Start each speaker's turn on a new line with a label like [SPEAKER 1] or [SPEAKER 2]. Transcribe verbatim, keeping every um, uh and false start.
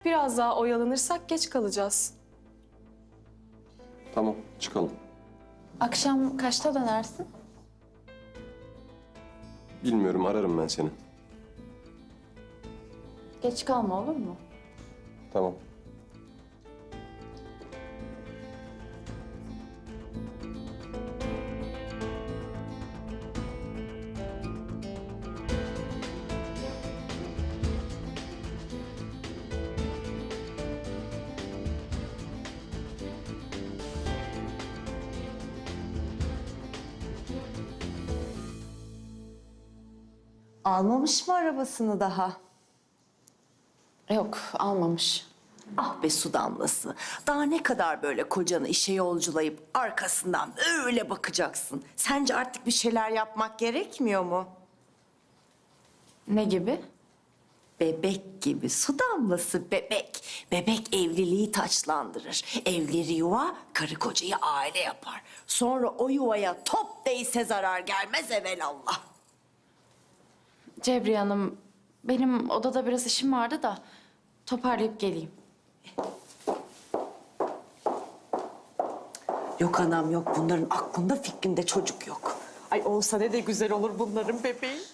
[SPEAKER 1] Biraz daha oyalanırsak geç kalacağız.
[SPEAKER 2] Tamam, çıkalım.
[SPEAKER 3] Akşam kaçta dönersin?
[SPEAKER 2] Bilmiyorum, ararım ben seni.
[SPEAKER 3] Geç kalma olur mu?
[SPEAKER 2] Tamam.
[SPEAKER 4] Almamış mı arabasını daha?
[SPEAKER 3] Yok, almamış.
[SPEAKER 4] Ah be su damlası. Daha ne kadar böyle kocanı işe yolculayıp arkasından öyle bakacaksın? Sence artık bir şeyler yapmak gerekmiyor mu?
[SPEAKER 3] Ne gibi?
[SPEAKER 4] Bebek gibi su damlası bebek. Bebek evliliği taçlandırır. Evleri yuva, karı kocayı aile yapar. Sonra o yuvaya top değse zarar gelmez evelallah.
[SPEAKER 3] Cebriye Hanım, benim odada biraz işim vardı da toparlayıp geleyim.
[SPEAKER 4] Yok anam yok. Bunların aklında fikrinde çocuk yok. Ay olsa ne de güzel olur bunların bebeği.